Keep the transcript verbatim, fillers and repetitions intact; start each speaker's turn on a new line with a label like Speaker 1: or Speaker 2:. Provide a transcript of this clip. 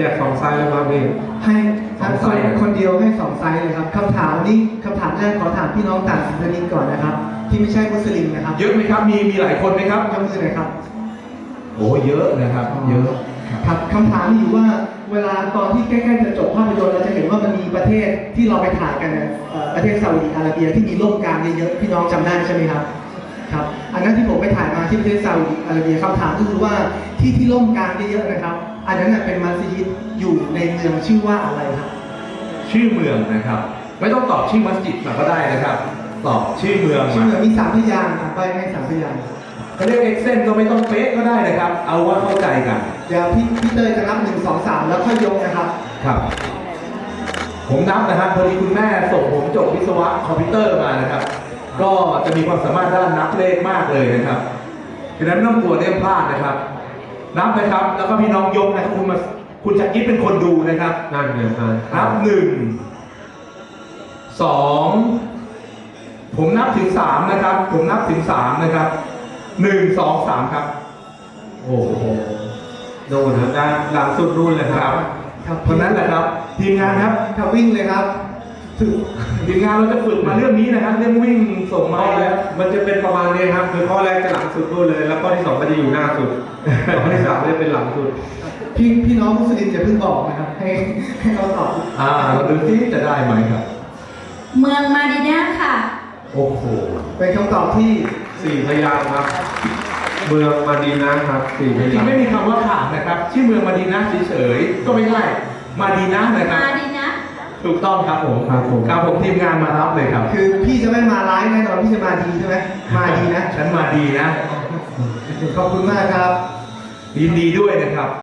Speaker 1: จกสองไซส์แล้วครับพี่
Speaker 2: ให้คนคนเดียวให้สองไซส์เลยครับคำถามนี้คำถามแรกขอถามพี่น้องต่างศาสนาก่อนนะครับที่ไม่ใช่มุสลิมนะครับ
Speaker 3: เยอะไหมครับมีมีหลายคนไหมครับ
Speaker 2: ยกมือหน่อยครับ
Speaker 3: โอ้เยอะนะครับเยอะ
Speaker 2: ครับคำถามมีอยู่ว่าเวลาตอนที่ใกล้ๆจะจบภาพยนตร์เราจะเห็นว่ามันมีประเทศที่เราไปถ่ายกันประเทศซาอุดิอาระเบียที่มีร่มกลางเยอะๆพี่น้องจำได้ใช่ไหมครับครับอันนั้นที่ผมไปถ่ายมาที่ประเทศซาอุดิอาระเบียคำถามก็คือว่าที่ที่ร่มกลางเยอะๆนะครับอันนั้นเป็นมัสยิดอยู่ในเมืองชื่อว่าอะไรครับ
Speaker 3: ชื่อเมืองนะครับไม่ต้องตอบชื่อมัสยิดมาก็ได้นะครับตอบชื่อเมือง
Speaker 2: ชื่อเมืองมีสามพยางค์ไปให้สามพยางค์
Speaker 3: เขาเรียกเอ็กเซนก็ไม่ต้องเป๊ะก็ได้นะครับเอาว่าเข้าใจกัน
Speaker 2: เดี๋ยวพี่พี่เตยจะนับหนึ่งสองสามแล้วค่อยยกนะครับ
Speaker 3: ครับผมนับนะครับพอดีคุณแม่ส่งผมจบวิศวะคอมพิวเตอร์มานะครับก็จะมีความสามารถด้านนับเลขมากเลยนะครับดังนั้นไม่ต้องกลัวเรื่องพลาดนะครับนับนะครับแล้วก็พี่น้องยกนะครับคุณมาคุณจักรยิปเป็นคนดูนะครับ
Speaker 1: นั่นเงิน
Speaker 3: นับหนึ่งสองผมนับถึงสามนะครับผมนับถึงสามนะครับหนึ่งสองสามครับ
Speaker 1: โอ้โหโดนนะด้านหลังสุดรุ่นเลยครับ
Speaker 3: เพราะนั้นแหละครับทีมงานครับ
Speaker 2: ถ้าวิ่งเลยครับ
Speaker 3: ถึงทีมงานเราจะฝึกมาเรื่องนี้นะครับเรื่องวิ่งส่งไม้แล้ว
Speaker 1: มันจะเป็นประมาณนี้ครับคือข้อแรกจะหลังสุดรุ่นเลยแล้วข้อที่สองก็จะอยู่หน้าสุดข้อที่สามจะเป็นหลังสุด
Speaker 2: พี่พี่น้องมุสลิมอย่าเพิ่งบอกนะครับให้ให้เขาตอบ
Speaker 3: อ่าเราดูที่จะได้ไหมครับ
Speaker 4: เมืองมาดีนาค่ะ
Speaker 3: โอ้โห
Speaker 2: เป็นคำตอบที่
Speaker 1: สี่พยางค์ครับเมืองมาดีนะครับสี่พยางค์
Speaker 3: ไม่มีคำว่าขาดนะครับชื่อเมืองมาดีนะเฉยๆก็ไม่ใช่มาดีนะนะครับ
Speaker 4: มาดีนะ
Speaker 3: ถูกต้องครับผม
Speaker 1: ครับผม
Speaker 3: ครับผมทีมงานมารับเลยครับ
Speaker 2: คือพี่จะไม่มาร้ายแน่นอนพี่จะมาดีใช่ไหมมาดีนะ
Speaker 3: ฉันมาดีนะ
Speaker 2: ขอบคุณมากครับ
Speaker 3: ยินดีด้วยนะครับ